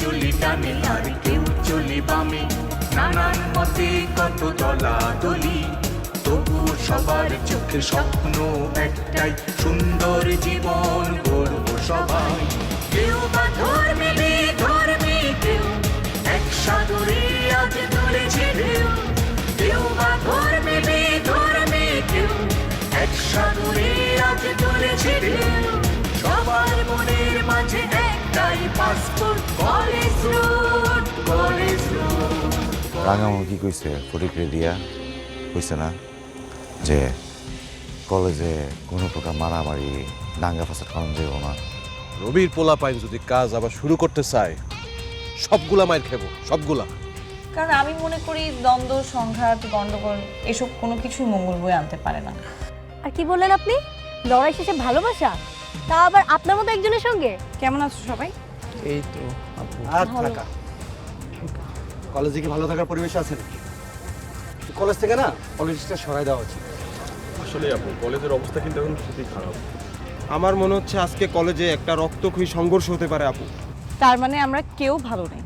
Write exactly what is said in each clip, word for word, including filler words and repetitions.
চলি ডানে আর কেউ চলি বামে, নানান মতে কত দলাদলি, তবু সবার চোখে স্বপ্ন একটাই, সুন্দর জীবন গড়ব সবাই। কেউ বা ধর্মে ধর্মে কেউ এক সাগরে আজ তুলেছে ঢেউ, কেউ বা ধর্মে ধর্মে কেউ এক সাগরে আজ তুলেছে ঢেউ, সবার মনের মাঝে একটাই passport, college road college road. রাঙামো কি কইছে ফটিকরে দিয়া কইছে না যে কলেজে কোনো প্রকার মারামারি দাঙ্গা ফাসাদ করানো যাবে না। রবির পোলা পাইন যদি কাজ আবার শুরু করতে চায় সবগুলা মাইর খেবো, সবগুলা। কারণ আমি মনে করি দ্বন্দ্ব, সংঘাত, গন্ডগোল এসব কোনো কিছুই মঙ্গল বয়ে আনতে পারে না। আর কি বললেন আপনি? লড়াই শেষে ভালোবাসা, তা আবার আপনার মতো একজনের সঙ্গে? কেমন আছো সবাই? এই তো আপু। আর থাকা কলেজে কি ভালো থাকার পরিবেশ আছে নাকি? কলেজ থেকে না পলিটিক্সটা সরাই দেওয়া উচিত। আসলে আপু কলেজের অবস্থা কিন্তু এখন খুবই খারাপ। আমার মনে হচ্ছে আজকে কলেজে একটা রক্তক্ষয়ী সংঘর্ষ হতে পারে আপু। তার মানে আমরা কেউ ভালো নেই,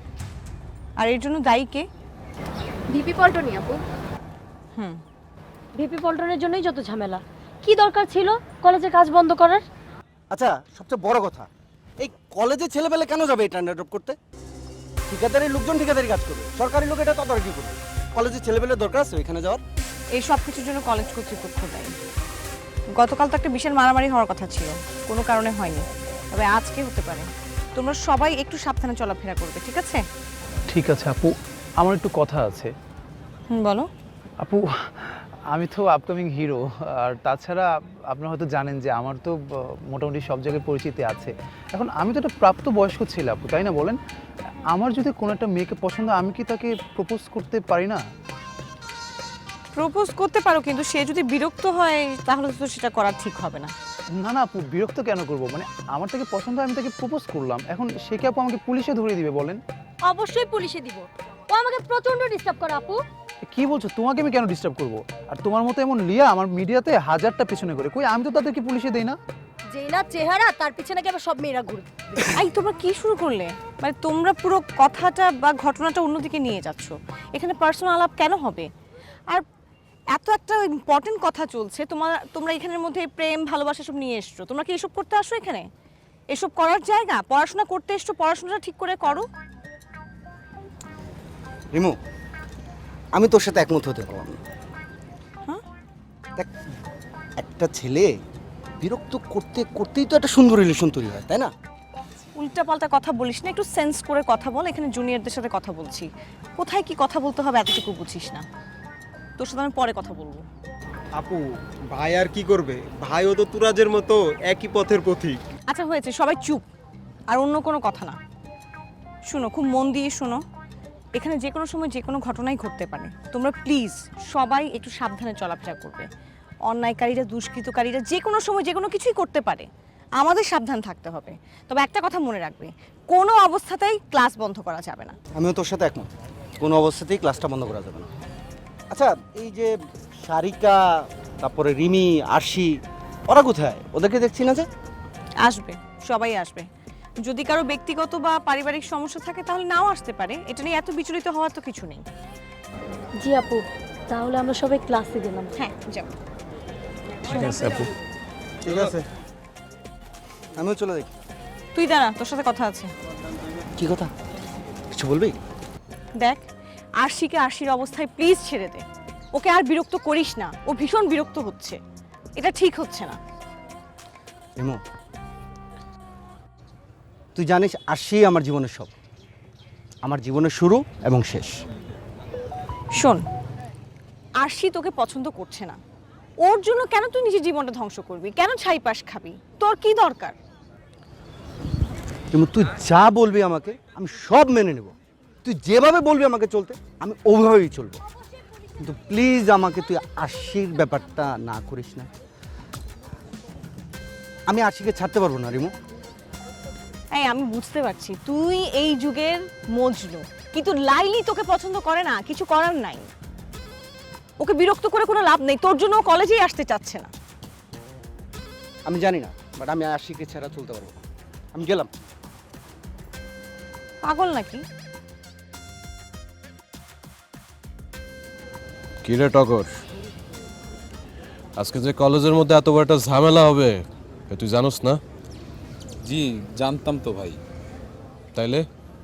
আর এর জন্য দায়ী কে? ভিপি পল্টনই আপু। হুম, ভিপি পল্টনের জন্যই যত ঝামেলা। কি দরকার ছিল কলেজের কাজ বন্ধ করার? আচ্ছা, সবচেয়ে বড় কথা, এই কলেজে ছেলেবেলে কেন যাবে এটা ড্রপ করতে? ঠিকাদারি লোকজন ঠিকাদারি কাজ করবে, সরকারি লোক এটা তদারকি করবে। কলেজে ছেলেবেলে দরকার আছে ওইখানে যাওয়ার? এই সব কিছুর জন্য কলেজ কর্তৃপক্ষ দায়ী। গতকাল তো একটা বিশাল মারামারি হওয়ার কথা ছিল, কোনো কারণে হয়নি, তবে আজকে হতে পারে। তোমরা সবাই একটু সাবধানে চলাফেরা করবে, ঠিক আছে? ঠিক আছে আপু, আমার একটু কথা আছে। হুম, বলো। আপু, আমি তো আপকামিং হিরো, আর তাছাড়া আপনারা হয়তো জানেন যে আমার তো মোটামুটি সব জায়গায় পরিচিতি আছে। এখন আমি তো একটা প্রাপ্ত বয়স্ক ছেলে আপু, তাই না বলেন? আমার যদি কোনো একটা মেয়েকে পছন্দ, আমি কি তাকে প্রপোজ করতে পারি না? প্রপোজ করতে পারো, কিন্তু সে যদি বিরক্ত হয় তাহলে তো সেটা করা ঠিক হবে না। না না আপু, বিরক্ত কেন করব? মানে আমার তাকে পছন্দ, আমি তাকে প্রপোজ করলাম, এখন সে কি আপু আমাকে পুলিশে ধরিয়ে দিবে বলেন? অবশ্যই পুলিশে দিব। ও আমাকে প্রচন্ড ডিস্টার্ব করে আপু। কি বলছো? তোমাকে আমি কেন ডিস্টার্ব করব? আর তোমার মতো এমন লিয়া আমার মিডিয়াতে হাজারটা পেছনে করে, কই আমি তো তাদেরকে পুলিশে দেই না। যেই না চেহারা, তার পিছনে কি আবার সব মেয়েরা ঘুরে? এই তোমরা কি শুরু করলে? মানে তোমরা পুরো কথাটা বা ঘটনাটা অন্যদিকে নিয়ে যাচ্ছ। এখানে পার্সোনাল আলাপ কেন হবে? আর এত একটা ইম্পর্টেন্ট কথা চলছে, তোমার তোমরা এখানের মধ্যে প্রেম ভালোবাসা সব নিয়ে এসছো। তোমরা কি এসব করতে আসো এখানে? এসব করার জায়গা? পড়াশোনা করতে এসছো, পড়াশোনাটা ঠিক করে করো। রিমু, আমি তোর সাথে একমত হতে পারলাম না। হ্যাঁ? দেখ, একটা ছেলে বিরক্ত করতে করতেই তো একটা সুন্দর রিলেশন তৈরি হয়, তাই না? উল্টাপাল্টা কথা বলিস না, একটু সেন্স করে কথা বল। এখানে জুনিয়রদের সাথে কথা বলছি, কোথায় কি কথা বলতে হবে এতটুকু বুঝিস না। তোর সাথে আমি পরে কথা বলবো। আপু, ভাই আর কি করবে? ভাইও তো তুরাজের মতো একই পথের পথিক। আচ্ছা হয়েছে, সবাই চুপ, আর অন্য কোনো কথা না। শুনো, খুব মন দিয়ে শোনো। এখানে যে কোনো সময় যে কোনো ঘটনাই ঘটতে পারে। তোমরা প্লিজ সবাই একটু সাবধানে চলাফেরা করবে। অন্যায়কারীরা, দুষ্কৃতকারীরা যে কোনো সময় যে কোনো কিছুই করতে পারে, আমাদের সাবধান থাকতে হবে। তবে একটা কথা মনে রাখবে, কোনো অবস্থাতেই ক্লাস বন্ধ করা যাবে না। আমিও তোর সাথে একমত, কোনো অবস্থাতেই ক্লাসটা বন্ধ করা যাবে না। আচ্ছা, এই যে সারিকা, তারপরে রিমি, আরশি, ওরা কোথায়? ওদেরকে দেখছি না যে। আসবে, সবাই আসবে। যদি কারো ব্যক্তিগত বা পারিবারিক সমস্যা থাকে তাহলে নাও আসতে পারে। এটা নিয়ে এত বিচলিত হওয়ার তো কিছু নেই। জি আপু, তাহলে আমরা সবাই ক্লাসে গেলাম। হ্যাঁ, যাও। ঠিক আছে আপু। ঠিক আছে, আমিও চলে দেখি। তুই দাঁড়া, তোর সাথে কথা আছে। কি কথা? কিছু বলবি? দেখ, আরশিকে আরশির অবস্থায় প্লিজ ছেড়ে দে। ওকে আর বিরক্ত করিস না, ও ভীষণ বিরক্ত হচ্ছে। এটা ঠিক হচ্ছে না। রিমু, তুই জানিস আরশি আমার জীবনের সব, আমার জীবনের শুরু এবং শেষ। শোন, আরশি তোকে পছন্দ করছে না, ওর জন্য কেন তুই নিজের জীবনটা ধ্বংস করবি? কেন ছাইপাশ খাবি? তোর কি দরকার? রিমু, তুই যা বলবি আমাকে আমি সব মেনে নেব। তুই যেভাবে বলবি আমাকে চলতে, আমি ওইভাবেই চলবো। কিন্তু প্লিজ আমাকে তুই আরশির ব্যাপারটা না করিস না। আমি আরশিকে ছাড়তে পারবো না রিমু। এই আমি বুঝতে পারছি তুই এই যুগের মজনু, কিন্তু লাইলি তোকে পছন্দ করে না, কিছু করার নাই। ওকে বিরক্ত করে কোনো লাভ নেই, তোর জন্য ও কলেজেই আসতে চাচ্ছে না। আমি জানি না, বাট আমি আরশিকে ছাড়া চলতে পারবো না। আমি গেলাম। পাগল নাকি? কিরে টগর, আজকে যে কলেজের মধ্যে এত বড় একটা ঝামেলা হবে এ তুই জানোস না? জি জানতাম তো ভাই। তাইলে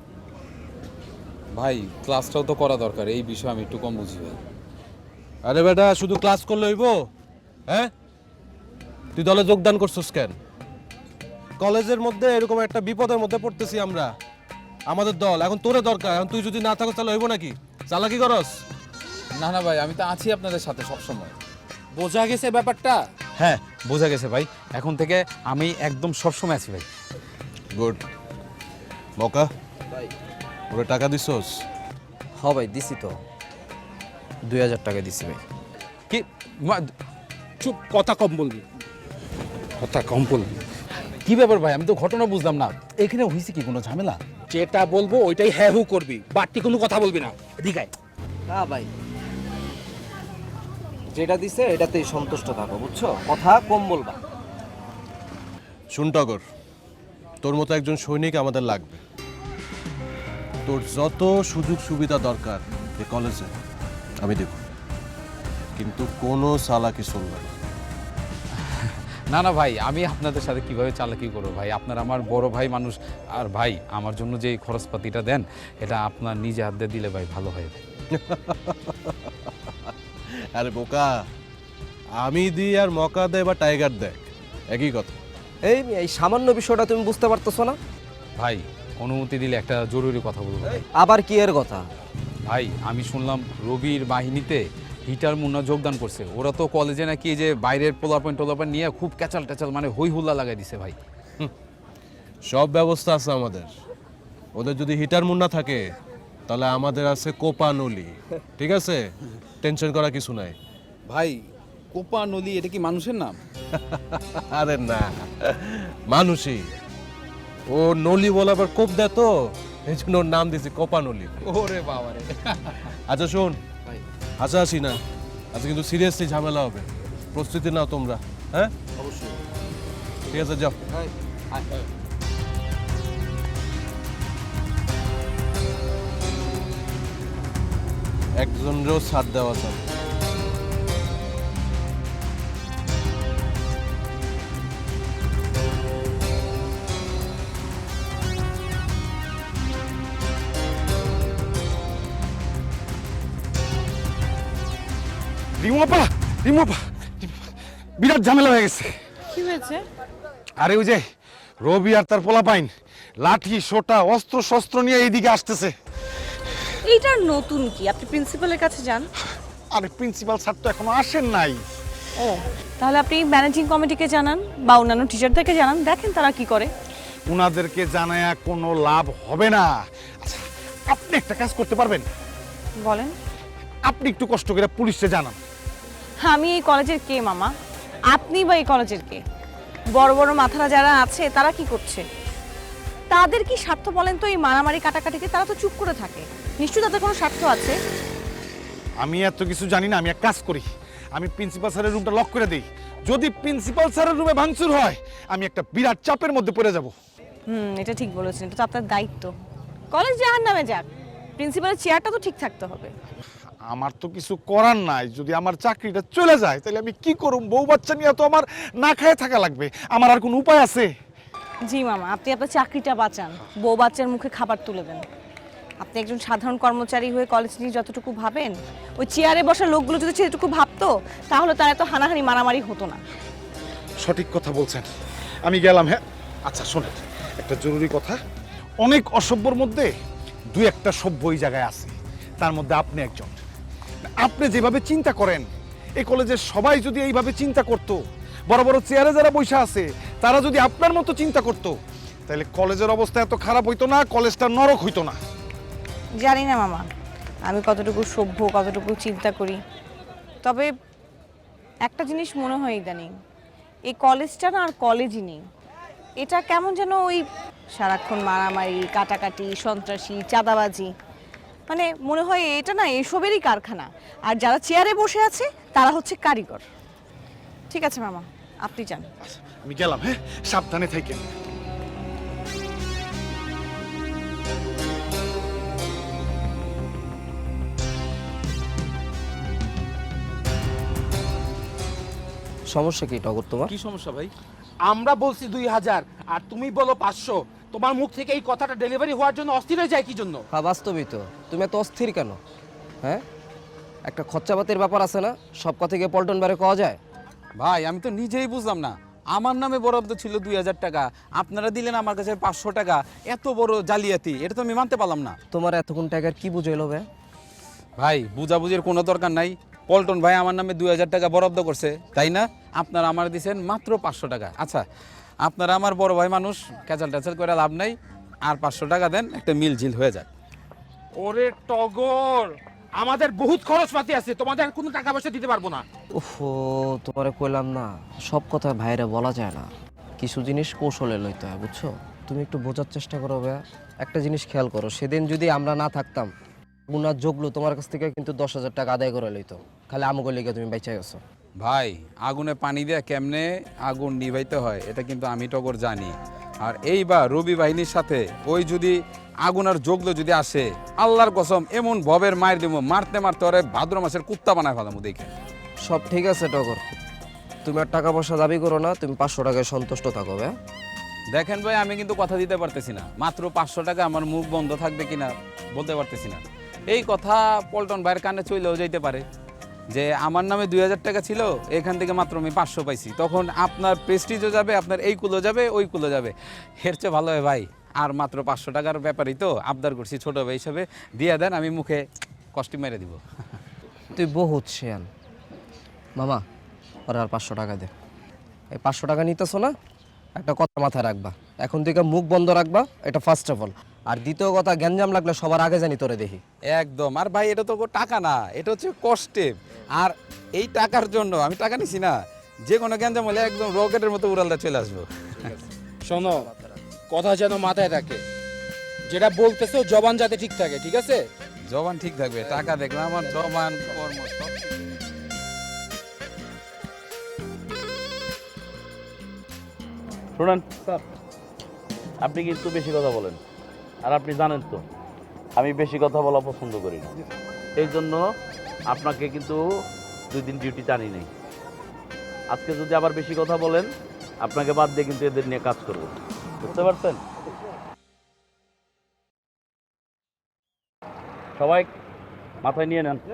ভাই ক্লাসটাও তো করা দরকার, এই বিষয়ে আমি একটু কম বুঝি ভাই। আরে বেটা, শুধু ক্লাস করলে হইব? হ্যাঁ, তুই দলে যোগদান করছিস কেন? কলেজের মধ্যে এরকম একটা বিপদের মধ্যে পড়তেছি আমরা, আমাদের দল এখন তোরে দরকার। এখন তুই যদি না থাকো তাহলে হইব নাকি? চালাকি করস? না না ভাই, আমি তো আছি আপনাদের সাথে সব সময়। বোঝা গেছে ব্যাপারটা? হ্যাঁ বোঝা গেছে ভাই, এখন থেকে আমি একদম সবসময় আছি ভাই। গুড। মকা ওরে টাকা দিছস? হ ভাই দিছি তো, দুই হাজার টাকা দিছি ভাই। কি মা- চুপ, কথা কম বলবি, কথা কম বলবি। কি ব্যাপার ভাই, আমি তো ঘটনা বুঝলাম না, এখানে হয়েছে কি কোনো ঝামেলা? যেটা বলবো ওইটাই হ্যাঁ হু করবি, বাড়তি কোনো কথা বলবি না। এদিকে আয়। না ভাই, যেটা দিছে এটাতেই সন্তুষ্ট থাকো, বুঝছো? কথা কম বলবা। শুন টগর, তোর মতো একজন সৈনিক আমাদের লাগবে। তোর যত সুযোগ সুবিধা দরকার এই কলেজে আমি দেব, কিন্তু কোনো চালাকি চলবে না। না না ভাই, আমি আপনাদের সাথে কিভাবে চালাকি করবো ভাই? আপনার আমার বড় ভাই মানুষ, আর ভাই আমার জন্য যে এই খরচপাতিটা দেন এটা আপনার নিজে হাত দিয়ে দিলে ভাই ভালো হয় ভাই। আরে বোকা, আমি দিই আর মকা দেয় বা টাইগার দেয় একই কথা। এই এই সামান্য বিষয়টা তুমি বুঝতে পারতেছো না? ভাই অনুমতি দিলে একটা জরুরি কথা বলবো ভাই। আবার কি এর কথা? ভাই আমি শুনলাম রবির বাহিনীতে হিটার মুন্না যোগদান করছে। ওরা তো কলেজে নাকি এই যে বাইরের পোলাপয়েন টোলাপয়েন নিয়ে খুব ক্যাচাল ট্যাচাল মানে হই হুল্লা লাগাই দিছে ভাই। সব ব্যবস্থা আছে আমাদের। ওদের যদি হিটার মুন্না থাকে তাহলে আমাদের আছে কোপা নলি, ঠিক আছে? টেনশন করা কিছু নাই। ভাই কোপা নদী এটা কি মানুষের নাম? আরে না, মানুষই। ও নলি বলে আবার কোপ দেয় তো, এই জন্য ওর নাম দিয়েছি কোপা নলি। ওরে বাবা রে। আচ্ছা শোন, আচ্ছা আসি না, আচ্ছা কিন্তু সিরিয়াসলি ঝামেলা হবে, প্রস্তুতি নাও তোমরা। হ্যাঁ অবশ্যই। ঠিক আছে, যাও। একজনেরও সাথ দেওয়া যাবে। রিমোপা রিমোপা বিরাট ঝামেলা হয়ে গেছে। কি হয়েছে? আরে ওই যে রবি আর তার পোলাপাইন লাঠি সোটা অস্ত্র শস্ত্র নিয়ে এইদিকে আসতেছে। এইটার নতুন কি? আপনি প্রিন্সিপালের কাছে যান। আরে প্রিন্সিপাল স্যার তো এখনো আসেন নাই। ও তাহলে আপনি ম্যানেজিং কমিটিকে জানান বা অন্যান্য টিচারদেরকে জানান, দেখেন তারা কি করে। উনাদেরকে জানায়া কোনো লাভ হবে না। আচ্ছা আপনি একটা কাজ করতে পারবেন? বলেন। আপনি একটু কষ্ট করে পুলিশে জানান। আমি এই কলেজের কে মামা? আপনি বা এই কলেজের কে? বড় বড় মাথারা যারা আছে তারা কি করছে? তাদের কি স্বার্থ বলেন তো এই মারামারি কাটাকাটিকে? তারা তো চুপ করে থাকে, নিশ্চয়ই তাদের কোনো স্বার্থ আছে। আমি এত কিছু জানি না, আমি এক কাজ করি, আমি প্রিন্সিপাল স্যারের রুমটা লক করে দিই। যদি প্রিন্সিপাল স্যারের রুমে ভাঙচুর হয় আমি একটা বিরাট চাপের মধ্যে পড়ে যাব। হুম, এটা ঠিক বলেছেন, এটা তো আপনার দায়িত্ব। কলেজ জাহার নামে যাক, প্রিন্সিপালের চেয়ারটা তো ঠিক থাকতে হবে। আমার তো কিছু করার নাই, যদি আমার চাকরিটা চলে যায় তাহলে আমি কি করব? বউ বাচ্চা নিয়ে তো আমার না খেয়ে থাকা লাগবে, আমার আর কোনো উপায় আছে? জি মামা, আপনি আপনার চাকরিটা বাঁচান, বউ বাচ্চার মুখে খাবার তুলে দেন। আপনি একজন সাধারণ কর্মচারী হয়ে কলেজ নিয়ে যতটুকু ভাবেন, ওই চেয়ারে বসা লোকগুলো যদি সেটুকু ভাবতো তাহলে তার এত হানাহানি মারামারি হতো না। সঠিক কথা বলছেন, আমি গেলাম। হ্যাঁ আচ্ছা শোনেন, একটা জরুরি কথা। অনেক অসভ্যর মধ্যে দুই একটা সভ্য এই জায়গায় আছে, তার মধ্যে আপনি একজন। আপনি যেভাবে চিন্তা করেন, এই কলেজের সবাই যদি এইভাবে চিন্তা করত, বড় বড় চেয়ারে যারা বসে আছে তারা যদি আপনার মতো চিন্তা করত, তাহলে কলেজের অবস্থা এত খারাপ হইতো না, কলেজটা নরক হইতো না। জানি না মামা আমি কতটুকু সভ্য, কতটুকু চিন্তা করি, তবে একটা জিনিস মনে হয় ইদানিং এই কলেজটা না আর কলেজই নেই। এটা কেমন যেন ওই সারাক্ষণ মারামারি, কাটাকাটি, সন্ত্রাসী, চাঁদাবাজি, মানে মনে হয় এটা না এসবেরই কারখানা, আর যারা চেয়ারে বসে আছে তারা হচ্ছে কারিগর। ঠিক আছে মামা, আপনি যান। আমি গেলাম। হ্যাঁ সাবধানে থাকেন। সমস্যা কি টগর তোমার? কি সমস্যা ভাই? আমরা বলছি দুই হাজার আর তুমি বলো পাঁচশো। তোমার মুখ থেকে এই কথাটা ডেলিভারি হওয়ার জন্য অস্থির হয়ে যায় কি জন্য? হ্যাঁ বাস্তবই তো, তুমি এত অস্থির কেন? হ্যাঁ, একটা খরচাপাতির ব্যাপার আছে না, সব কথা গিয়ে পল্টন বারে কওয়া যায়? ভাই আমি তো নিজেই বুঝলাম না, আমার নামে বরাদ্দ ছিল দুই হাজার টাকা, আপনারা দিলেন আমার কাছে পাঁচশো টাকা। এত বড় জালিয়াতি, এটা তো আমি মানতে পারলাম না। তোমার এতক্ষণ টাকার কি বুঝাইলো বে? ভাই বুঝাবুঝির কোনো দরকার নাই। পল্টন ভাই আমার নামে দুই হাজার টাকা বরাদ্দ করছে, তাই না? আপনারা আমার দিয়েছেন মাত্র পাঁচশো টাকা। আচ্ছা, আপনারা আমার বড় ভাই মানুষ, ক্যাচাল ট্যাচাল করে লাভ নাই, আর পাঁচশো টাকা দেন, একটা মিল ঝিল হয়ে যাক। ওরে টগর, আমাদের বহুত খরচপাতি আছে, তোমাদের কোনো টাকা পয়সা দিতে পারবো না। ওফো, তোমারে কইলাম না, সব কথা ভাইরে বলা যায় না, কিছু জিনিস কৌশলে লইতে হয়, বুঝছো? তুমি একটু বোঝার চেষ্টা করো ভাইয়া। একটা জিনিস খেয়াল করো, সেদিন যদি আমরা না থাকতাম, গুনার যোগলো তোমার কাছ থেকে কিন্তু দশ হাজার টাকা আদায় করে লইতো, খালি আমগো লেগে তুমি বেঁচে গেছো। ভাই আগুনে পানি দিয়ে কেমনে আগুন নিভাইতে হয় এটা কিন্তু আমি টগর জানি। আর এইবার রবি বাহিনীর সাথে ওই যদি আগুন আর যোগলো যদি আসে, আল্লাহর কসম এমন ভবের মায়ের দিব, মারতে মারতে ওরে ভাদ্র মাসের কুত্তা বানায় ফেলাম। দেখে সব ঠিক আছে টগর, তুমি আর টাকা পয়সা দাবি করো না, তুমি পাঁচশো টাকায় সন্তুষ্ট থাকো ভাই। দেখেন ভাই, আমি কিন্তু কথা দিতে পারতেছি না, মাত্র পাঁচশো টাকা আমার মুখ বন্ধ থাকবে কিনা বলতে পারতেছি না। এই কথা পল্টন ভাইয়ের কানে চলেও যেতে পারে যে আমার নামে দুই হাজার টাকা ছিল, এখান থেকে মাত্র আমি পাঁচশো পাইছি, তখন আপনার প্রেস্টিজও যাবে, আপনার এই কুলো যাবে, ওই কুলো যাবে। এর চেয়ে ভালো হয় ভাই আর মাত্র পাঁচশো টাকার ব্যাপারই তো আবদার করছি, ছোটো ভাই হিসাবে দিয়ে দেন, আমি মুখে কষ্টি মেরে দিব। তুই বহুত শেয়াল মামা, ওরা আর পাঁচশো টাকা দে। এই পাঁচশো টাকা নিতেছো না, একটা কথা মাথায় রাখবা, এখন থেকে মুখ বন্ধ রাখবা, এটা ফার্স্ট অফ অল। আর দ্বিতীয় কথা, গ্যাঞ্জাম লাগলে সবার আগে জানি তোরে দেখি। একদম। আর ভাই এটা তো টাকা না, এটা হচ্ছে কষ্টে। আর এই টাকার জন্য আমি টাকা নিছি না, যে কোনো গ্যাঞ্জাম হলে একদম রকেটের মতো উড়ালটা চলে আসবো। শোনো, কথা যেন মাথায় থাকে, যেটা বলতেছো জবান যাতে ঠিক থাকে, ঠিক আছে? জবান ঠিক থাকবে, টাকা দেখলে আমার জবান কর্ম সব ঠিক। শুনেন স্যার, আপনি কিন্তু বেশি কথা বলেন, আর আপনি জানেন তো আমি বেশি কথা বলা পছন্দ করি না, এই জন্য আপনাকে কিন্তু দুই দিন ডিউটিতে আনি নেই। আজকে যদি আবার বেশি কথা বলেন, আপনাকে বাদ দিয়ে কিন্তু এদের নিয়ে কাজ করব, বুঝতে পারছেন? সবাই মাথায় নিয়ে নেন।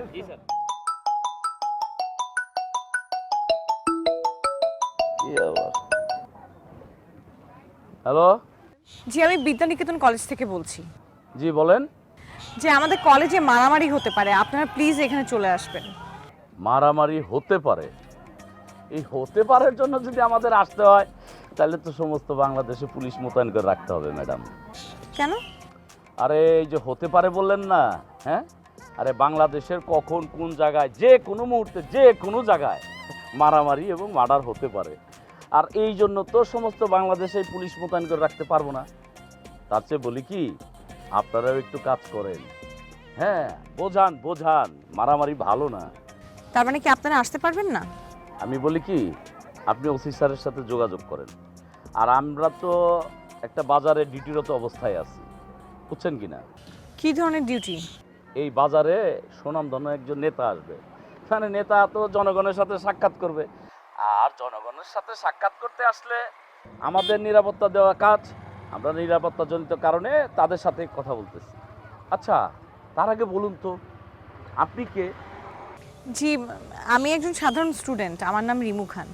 হ্যালো, জি আমি বিদ্যানিকেতন কলেজ থেকে বলছি। জি বলেন। যে আমাদের কলেজে মারামারি হতে পারে, আপনারা প্লিজ এখানে চলে আসবেন। মারামারি হতে পারে? এই হতে পারার জন্য যদি আমাদের আসতে হয়, তাহলে তো সমস্ত বাংলাদেশে পুলিশ মোতায়েন করে রাখতে হবে ম্যাডাম। কেন? আরে এই যে হতে পারে বললেন না, হ্যাঁ, আরে বাংলাদেশের কখন কোন জায়গায় যে কোনো মুহূর্তে যে কোনো জায়গায় মারামারি এবং মার্ডার হতে পারে, আর এই জন্য তো সমস্ত বাংলাদেশে পুলিশ মোতায়েন করে রাখতে পারবো না। তার চেয়ে বলি কি, আপনারাও একটু কাজ করেন, হ্যাঁ, বোঝান বোঝান, মারামারি ভালো না। তার মানে কি আপনারা আসতে পারবেন না? আমি বলি কি, আপনি ওসি স্যারের সাথে যোগাযোগ করেন, আর আমরা তো একটা বাজারে ডিউটিরত অবস্থায় আছি, বুঝছেন কি না? কি ধরনের ডিউটি? এই বাজারে সুনামধন্য একজন নেতা আসবে, মানে নেতা তো জনগণের সাথে সাক্ষাৎ করবে, আর জনগণের সাথে সাক্ষাৎ করতে আসলে আমাদের নিরাপত্তা দেওয়া কাজ, আমরা নিরাপত্তাজনিত কারণে তাদের সাথে কথা বলতেছি। আচ্ছা, তার আগে বলুন তো আপনি কে? জি আমি একজন সাধারণ স্টুডেন্ট, আমার নাম রিমু খান।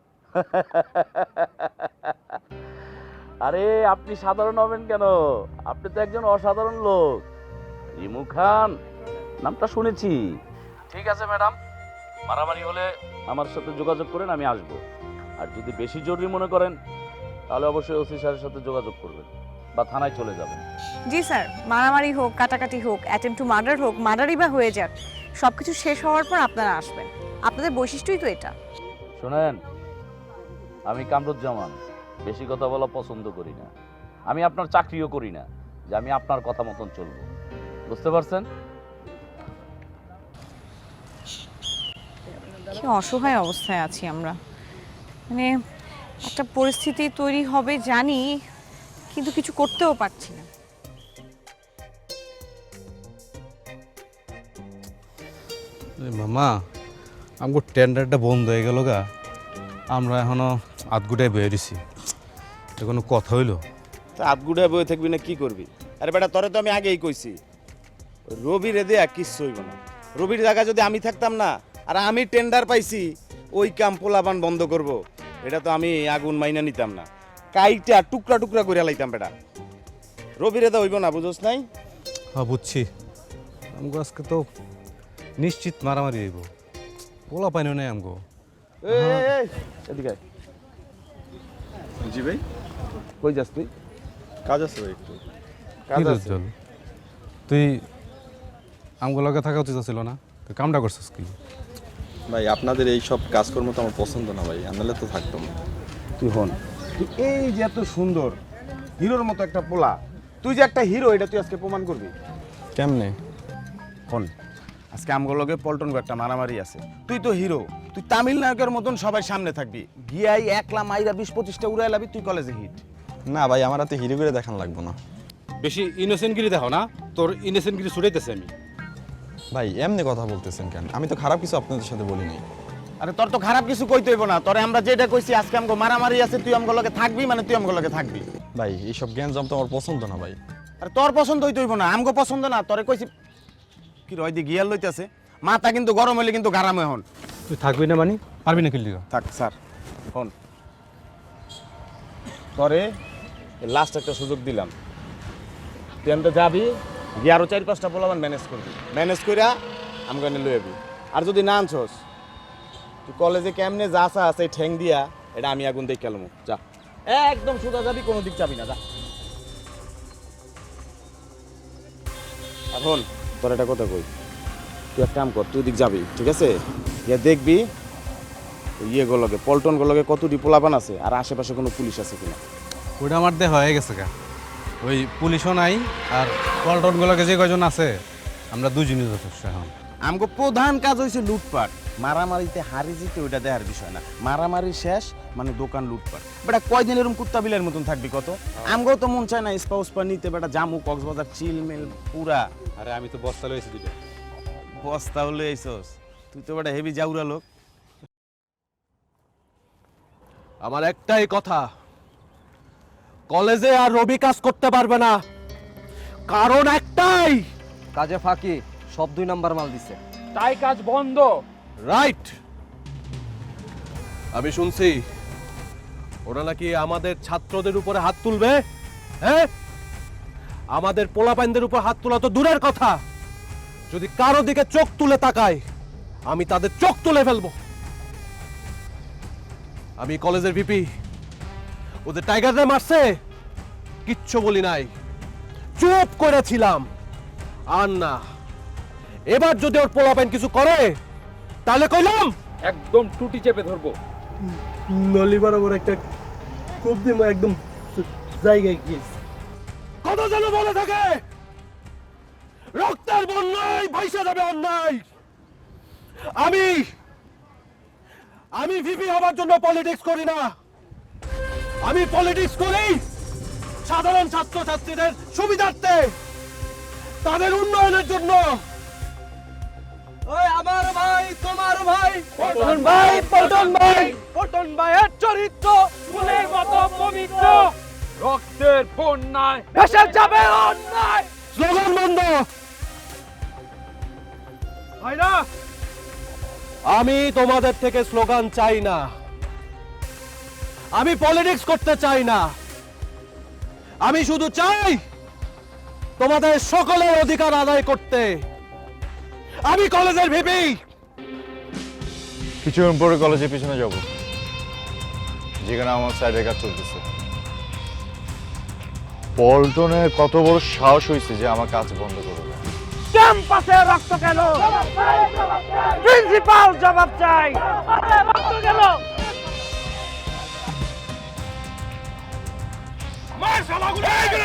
আরে আপনি সাধারণ হবেন কেন, আপনি তো একজন অসাধারণ লোক। রিমু খান নামটা শুনেছি। ঠিক আছে ম্যাডাম, মারামারি হলে আমার সাথে যোগাযোগ করেন, আমি আসবো। আর যদি বেশি জরুরি মনে করেন, তাহলে অবশ্যই ওসি স্যারের সাথে যোগাযোগ করবেন বা থানায় চলে যাবেন। জি স্যার, মারামারি হোক, কাটাকাটি হোক, অ্যাটেম্প টু মার্ডার হোক, মার্ডারই বা হয়ে যাক, সব কিছু শেষ হওয়ার পর আপনারা আসবেন, আপনাদের বৈশিষ্ট্যই তো এটা। শোনেন, আমি কামরুজ্জামান বেশি কথা বলা পছন্দ করি না, আমি আপনার চাকরিও করি না যে আমি আপনার কথা মতন চলবো, বুঝতে পারছেন? কি অসহায় অবস্থায় আছি আমরা, মানে একটা পরিস্থিতি তৈরি হবে জানি, কিন্তু কিছু করতেও পারছি না। মামা, আমার টেন্ডারটা বন্ধ হয়ে গেল গা, আমরা এখনো আধগুটায় বয়ে দিছি, এটা কোনো কথা হইলো? তা আধগুড়ায় বয়ে থাকবি না কি করবি? আরে বেটা তোরে তো আমি আগেই কইছি, রবির দেয়া কিচ্ছু হইব না। রবির জায়গা যদি আমি থাকতাম না, আর আমি টেন্ডার পাইছি ওই কাম পোলাপান বন্ধ করব, এটা তো আমি আগুন মাইনা নিতাম না, কাইটা টুকরা টুকরা করে লাইতাম বেটা। রবির দা হইব না, বুঝোস নাই? হ্যাঁ বুঝছি, আমগো আজকে তো নিশ্চিত মারামারি হইব, পোলা পাইনি নাই আমগো। এই, এই, এই, এদিকে আয়। জি ভাই, কই যাস তুই? কাজ আছে ভাই একটু। কাজ কি আছে? চল, তুই আমগো লগে থাকা উচিত ছিল না? তুই কামটা করছিস কি? ভাই আপনাদের এই সব কাজকর্ম তো আমার পছন্দ না ভাই, আনলে তো থাকতাম না। তুই হন, তুই এই যে এত সুন্দর হিরোর মতো একটা পোলা, তুই যে একটা হিরো এটা তুই আজকে প্রমাণ করবি। কেমনে? হন, আজকে আমগো লগে পল্টন একটা মারামারি আছে, তুই তো হিরো, তুই তামিলনায়কের মতন সবাই সামনে থাকবি, গিয়াই একলা মাইরা বিশ পঁচিশটা উড়াই লাবি, তুই কলেজে হিট। না ভাই, আমার হাতে হিরো করে দেখান লাগবো না। বেশি ইনোসেন্টগিরি দেখো না, তোর ইনোসেন্টগিরি ছুটাইতেছে আমি। ভাই এমনি কথা বলতেছেন কেন? আমি তো খারাপ কিছু আপনাদের সাথে বলি নাই। আরে তোর তো খারাপ কিছু কইতে হইব না, তোরে আমরা যেটা কইছি আজকে আমগো মারামারি আছে, তুই আমগো লগে থাকবি মানে তুই আমগো লগে থাকবি। ভাই এইসব জ্ঞান জম তো আমার পছন্দ না ভাই। আরে তোর পছন্দ হইতে হইব না, আমগো পছন্দ না, তোরে কইছি কি রয় দি গিয়ার লইতেছে, মাথা কিন্তু গরম হইলে কিন্তু গারাম হন। তুই থাকবি না মানে পারবি না খেললি? থাক স্যার, হন তোরে লাস্ট একটা সুযোগ দিলাম, তুই এমনি যাবি গিয়ে আরো চার পাঁচটা পোলাবান ম্যানেজ করবি, ম্যানেজ কইরা আমগো এনে লই যাবি। আর যদি না আনছস, তুই কলেজে কেমনে যা চা আছে ঠ্যাং দিয়া এটা আমি আগুন দেখ কেলমু, যা একদম সোজা যাবি, কোনো দিক যাবি না, যা। আর হন তোর একটা কথা কই, তুই এক কাম কর, তুই দিক যাবি ঠিক আছে, ইয়ে দেখবি ইয়ে গুলোকে পল্টন গুলোকে কতটি পোলাপান আছে আর আশেপাশে কোনো পুলিশ আছে কিনা। ওটা আমার দেহ হয়ে গেছে গা, ওই পুলিশও নাই আর পল্টনগুলোকে যে কয়জন আছে আমরা দুজনই যথেষ্ট। এখন আমগো প্রধান কাজ হইছে লুটপাট, মারামারিতে হারি জিতে ওইটা দেখার বিষয় না, মারামারি শেষ মানে দোকান লুটপাট। বেটা কয়দিন এরকম কুত্তা বিলের মতন থাকবি কত? আমগো তো মন চায় না স্পা উস্পা নিতে, বেটা জামু কক্সবাজার চিলমেল পুরা। আরে আমি তো বস্তা লইছি দুটো। বস্তা হলে এইছস তুই তো বেটা হেভি জাউরা লোক। আমার একটাই কথা, কলেজে আর রবি কাজ করতে পারবে না, কারণ একটাই, কাজে ফাঁকি, সব দুই নাম্বার মাল দিছে, তাই কাজ বন্ধ। রাইট। আমি শুনছি ওরা নাকি আমাদের ছাত্রদের উপরে হাত তুলবে। হ্যাঁ, আমাদের পোলাপাইনদের উপর হাত তোলা তো দূরের কথা, যদি কারো দিকে চোখ তুলে তাকায় আমি তাদের চোখ তুলে ফেলবো। আমি কলেজের ভিপি, ওদের টাইগাররা মারছে কিচ্ছু বলি নাই, চুপ করেছিলাম। আর না, এবার যদি ওর পোলাপাইন কিছু করে তাহলে কইলাম একদম টুটি চেপে ধরবো, নলি বরাবর একটা কোপ দিব, একদম জায়গায় গিয়েছে। কত যেন বলে থাকে, রক্তের বন্যায় ভাইসা যাবে অন্যায়। আমি আমি ভিপি হবার জন্য পলিটিক্স করি না, আমি পলিটিক্স করি সাধারণ ছাত্র ছাত্রীদের সুবিধার্থে, তাদের উন্নয়নের জন্য। ওই আমার ভাই, তোমার ভাই, পল্টন ভাই, পল্টন ভাই, পল্টন ভাইয়ের চরিত্র ফুলের মতো পবিত্র, রক্তের বন্যায় ভেসে যাবে অন্যায়। স্লোগান বন্ধ হয় না। আমি তোমাদের থেকে স্লোগান চাই না, আমি পলিটিক্স করতে চাই না, আমি শুধু চাই তোমাদের সকলের অধিকার আদায় করতে। আমি কলেজের ভিপি, কিছুক্ষণ পরে কলেজের পিছনে যাব, যেখানে আমার সাইডের কাজ চলতেছে। পল্টনের কত বড় সাহস হয়েছে যে আমার কাজ বন্ধ করবে। ক্যাম্পাসে রক্ত কেন? প্রিন্সিপাল জবাব চাই। রক্ত কেন? মার শালাগুলো!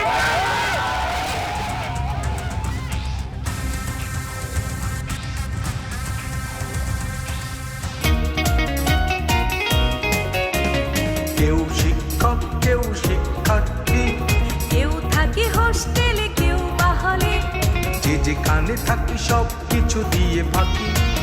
কেউ শিক্ষক, কেউ শিক্ষার্থী, কেউ থাকে হোস্টেলে, কেউ বা হলে, যে যেখানে থাকি সব কিছু দিয়ে ফাঁকি।